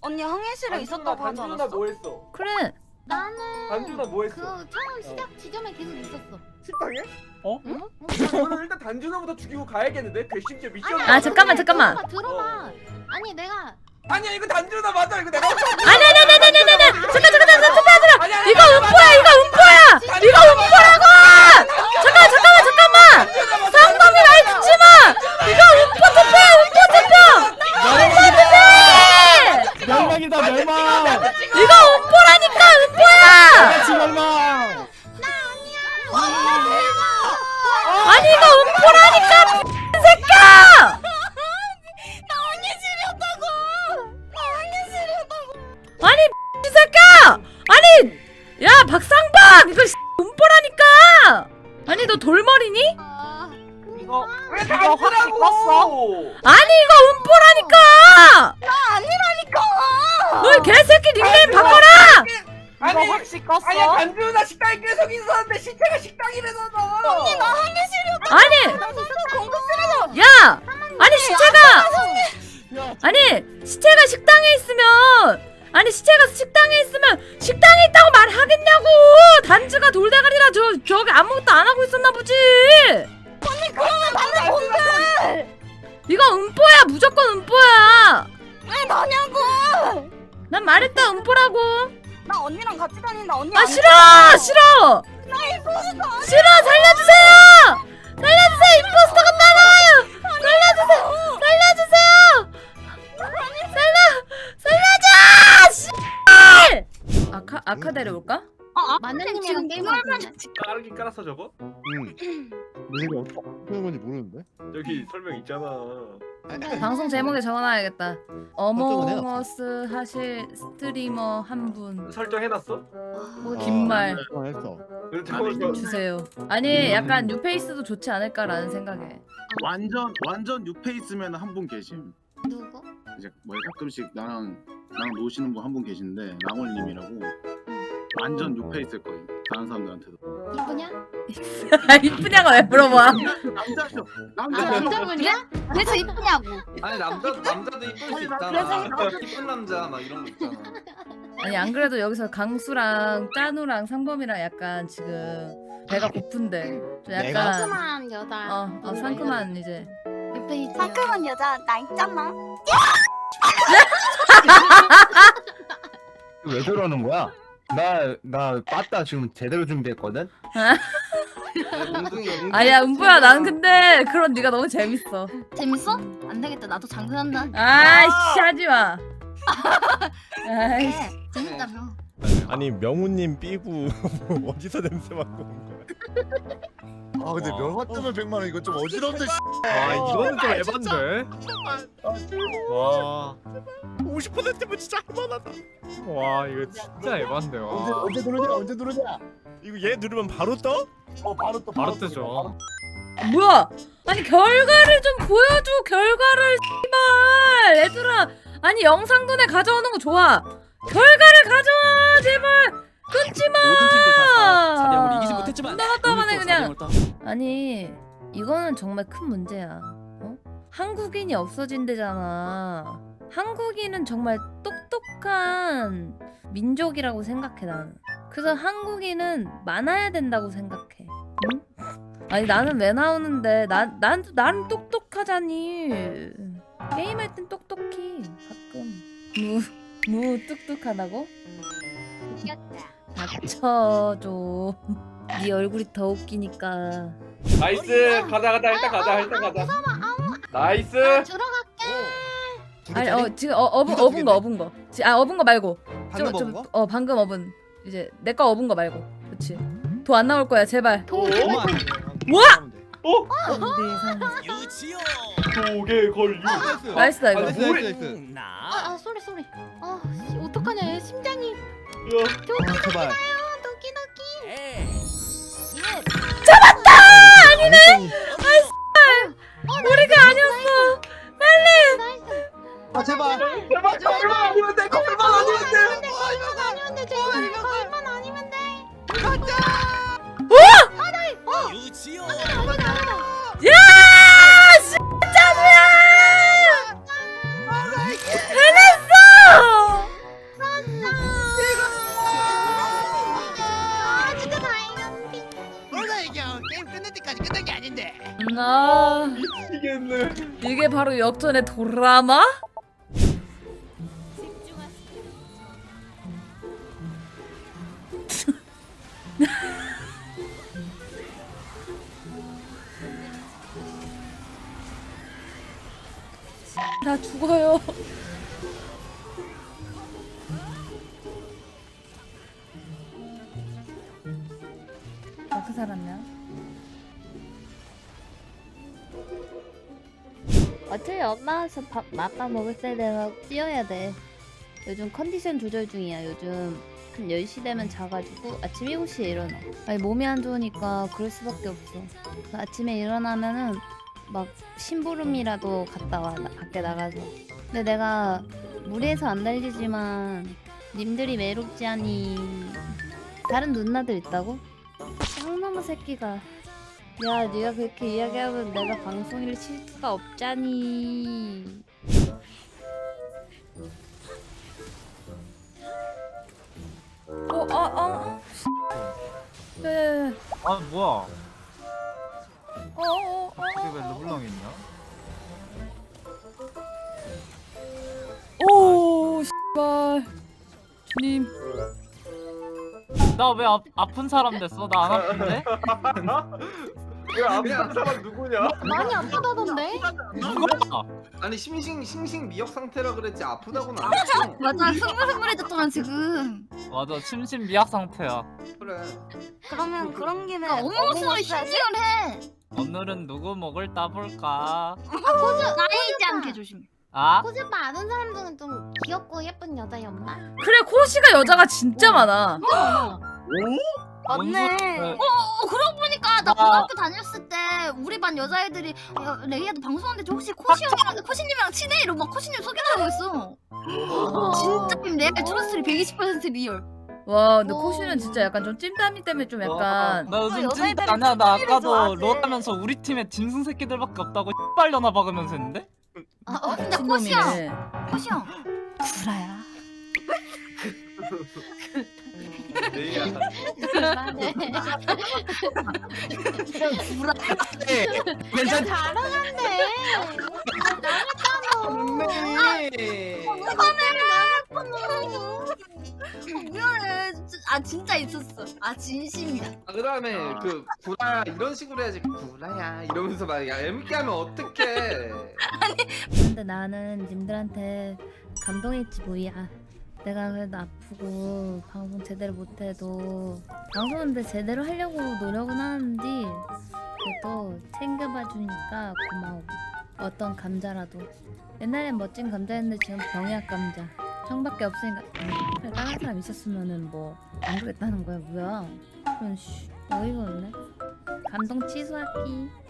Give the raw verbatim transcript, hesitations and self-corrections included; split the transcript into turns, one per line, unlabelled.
언니 항해실에 있었다고 하지
단준아
않았어?
뭐 했어?
그래.
나는
단준아 뭐 했어?
그 처음 시작 지점에 계속 있었어.
식당에?
어?
응?
저는 일단 단준아부터 죽이고 가야겠는데? 괘씸죄 미션.
아, 잠깐만, 잠깐만.
들어봐, 들어봐. 아니 내가
아니야 이거 단준아 맞아 이거 내가.
아니 아니 아니 아니 아니 아니. 잠깐 잠깐 잠깐 잠깐
아니,
잠깐.
아니,
이거
아니,
음포야 이거 음포야. 이거 음포라고. 잠깐 잠깐만 잠깐만. 상범이 말 듣지 마. 이거 음포 투표야 음포 투표.
멸망이다 멸망.
이거 음포라니까 음포야.
같이 멸망.
아니 이거 음포라니까 이 새끼야.
나 항해실이었다고! 나 항해실이었다고!
아니 이 새끼야. 아니 야 박상박 이거 음포라니까. 아니 너 돌머리니?
아,
이거 왜
이거 확
단준아고?
아니 이거 음포라니까.
나 아니라니까!
너 이 개새끼 닉네임 바꿔라.
이거
아니
확 씻었어?
아니야 단준아 식당에 계속 있었는데 시체가 식당이래잖아.
언니 나 항해실이었다고!
아니
나 진짜 공부 쓰레기!
야 아니 시체가 아니 시체가 식당에 있으면 아니 시체가 식당에 있으면 식당에 있다고 말하겠냐고. 단지가 돌대가리라 저 저기 아무것도 안 하고 있었나 보지.
언니 그러면 나는 뭔데!
이거 음포야 무조건 음포야.
왜 나냐고!
난 말했다 음포라고.
나 언니랑 같이 다닌다 언니
아
안
싫어 싫어
나 임포스터
싫어 살려주세요 살려주세요 임포스터가 따라와요 살려주세요 살려주세요 살려 살려줘 씨발 아카 아카 데려올까?
아,
마늘님이랑
지금
게임하고
꿀만
있네.
까르긴 깔았어 저거?
응. 근데 이거 어떻게 하는 건지 모르는데.
여기 설명 있잖아.
방송 제목에 적어놔야겠다.
설정은
어몽어스 하실 스트리머 한 분
설정해놨어?
뭐
긴 말.
어, 했어.
저거
주세요. 아니 약간 뉴페이스도 좋지 않을까라는 생각에.
완전 완전 뉴페이스면 한 분 계심.
누구?
이제 뭐 가끔씩 나랑 나랑 노시는 분 한 분 계신데 랑월님이라고 완전 뉴페이스일 거예요. 다른 사람들한테도.
이쁘냐?
이쁘냐고 왜 물어봐.
남자죠.
아
남자죠.
남자분이야? 그래서 이쁘냐고.
아니 남자 남자도 이쁠 수 있잖아. 이쁜 남자 막 이런 거 있잖아.
아니 안 그래도 여기서 강수랑 짜누랑 상범이랑 약간 지금 배가 고픈데 좀 약간
상큼한 여자.
어, 어 상큼한 이제
옆에 있지.
상큼한 여자 나 있잖아
왜 저러는 거야? 나 나 빠따 지금 제대로 준비했거든.
엉덩이 엉덩이.
아니야 은보야 난 근데 그런 네가 너무 재밌어.
재밌어? 안 되겠다. 나도 장난한다.
아이씨 하지마. 아이씨
네, 재밌다며.
아니 명우님 삐부 어디서 냄새 맡고 온 거야?
아 근데
와.
면화 뜨면 백만 원 이거 좀 어지럽네. 씨.
아 이거는 좀 에반데. 와 오십 퍼센트면 진짜 할만하다. 와 이거 진짜 에반데.
언제
와.
언제 누르냐? 언제 누르냐?
이거 얘 누르면 바로 떠?
어 바로 또
바로
또,
뜨죠.
뭐야? 아니 결과를 좀 보여줘 결과를 씨발 얘들아. 아니 영상돈에 가져오는 거 좋아. 결과를 가져와 제발. 끊지마.
모든 팀들 다 사대영으로 이기지 못했지만
나갔다가네
오늘 또
그냥.
사대영을 따-
아니 이거는 정말 큰 문제야. 어? 한국인이 없어진대잖아. 한국인은 정말 똑똑한 민족이라고 생각해 나는. 그래서 한국인은 많아야 된다고 생각해. 응? 아니 나는 왜 나오는데 난 난 나는 똑똑하자니. 게임할 땐 똑똑히 가끔 무무 뚝뚝하다고?
귀엽다.
닥쳐줘. 네 얼굴이 더 웃기니까.
나이스 가자 가자 일단 가자 일단 가자. 나이스.
들어갈게.
아니 어 지금 어 어분 어분 거 어분 거. 지, 아 어분 거 말고.
방금 먹은 거?
어 방금 어분. 이제 내 거 어분 거 말고. 그렇지. 도 안 나올 거야 제발.
오?
뭐야?
어?
유치요.
도개 걸류.
나이스다 이거.
나이스, 나이스,
나이스.
나.
아, 아 쏘리 쏘리. 아 씨, 어떡하냐 얘 심장이.
야.
도끼
제발.
도끼 도끼.
에이.
아니네.
우리가 아니었어.
나이스.
아 제발.
제발 걸만 아니면 돼 걸만 아니면 돼.
걸만 아니면 돼. 제발 걸만 아니면 돼.
유치요.
아니다 아니다.
야! 씨 짜누야! 해냈어! 와
미치겠네.
이게 바로 역전의 드라마? 나 죽어요. 어떻게 살았냐?
어차피 엄마와서 밥 아빠 먹을 때 내가 뛰어야 돼. 요즘 컨디션 조절 중이야. 요즘 한 열 시 되면 자가지고 아침 일곱 시에 일어나. 아니 몸이 안 좋으니까 그럴 수밖에 없어. 그래서 아침에 일어나면은 막 심부름이라도 갔다 와. 나- 밖에 나가서. 근데 내가 무리해서 안 달리지만 님들이 외롭지 않니? 다른 누나들 있다고? 쌍놈의 새끼가 야 네가 그렇게 이야기하면 내가 방송일 칠 수가 없잖니.
어, 아, 아. 네.
아 뭐야?
어, 어, 어.
이게 왜 르블랑 있냐?
오, 씨발. 주님.
나 왜 아픈 사람 됐어? 나 안 아픈데?
왜 아픈 사람 누구냐?
많이 아프다던데?
누가?
아니 심신 심신 미역 상태라 그랬지 아프다고는 안 했어.
맞아 흥물흥물해졌잖아 지금.
맞아 침신 미약 상태야.
그래.
그러면 그런 김에
어머머스로
신증을 해.
오늘은 누구 목을 따볼까?
나이지 않게 조심.
아?
코즈바 아는 사람 중에 좀 귀엽고 예쁜 여자였나?
그래, 코시가 여자가 진짜 많아.
맞네.
뭔
어, 어 그러고 보니까 나
아.
고등학교 다녔을 때 우리 반 여자애들이 야, 레이야도 방송하는데 저 혹시 코시 형이랑 코시님이랑 친해? 이러고 막 코시님 소개하고 있어. 진짜 내 트루스리 백이십 퍼센트 리얼.
와, 근데
오.
코시는 진짜 약간 좀 찜담이 때문에 좀 약간.
나 요즘
여자애들이
찐따 아니야. 나
찐따를
아까도
좋아하지.
롤하면서 우리 팀에 짐승 새끼들밖에 없다고 빨려나 박으면서 했는데?
어, 근데 코시 형,
미친놈이네.
코시 형 구라야.
내야.
구라.
괜찮.
잘하는데.
미안해. 진짜- 아 진짜 있었어. 아 진심이야.
아, 그다음에 그 구라야 이런 식으로 해야지. 구라야 이러면서 막 얄밉게 하면 어떡해.
근데 나는 님들한테 감동했지 뭐야. 내가 그래도 아프고 방송 제대로 못해도 방송은 근데 제대로 하려고 노력은 하는데 그래도 챙겨봐 주니까 고마워. 어떤 감자라도. 옛날엔 멋진 감자였는데 지금 병약 감자. 형밖에 없으니까 음, 다른 사람 있었으면은 뭐 안 그랬다는 거야 뭐야. 그런 씨 어이가 없네. 감동 취소할게.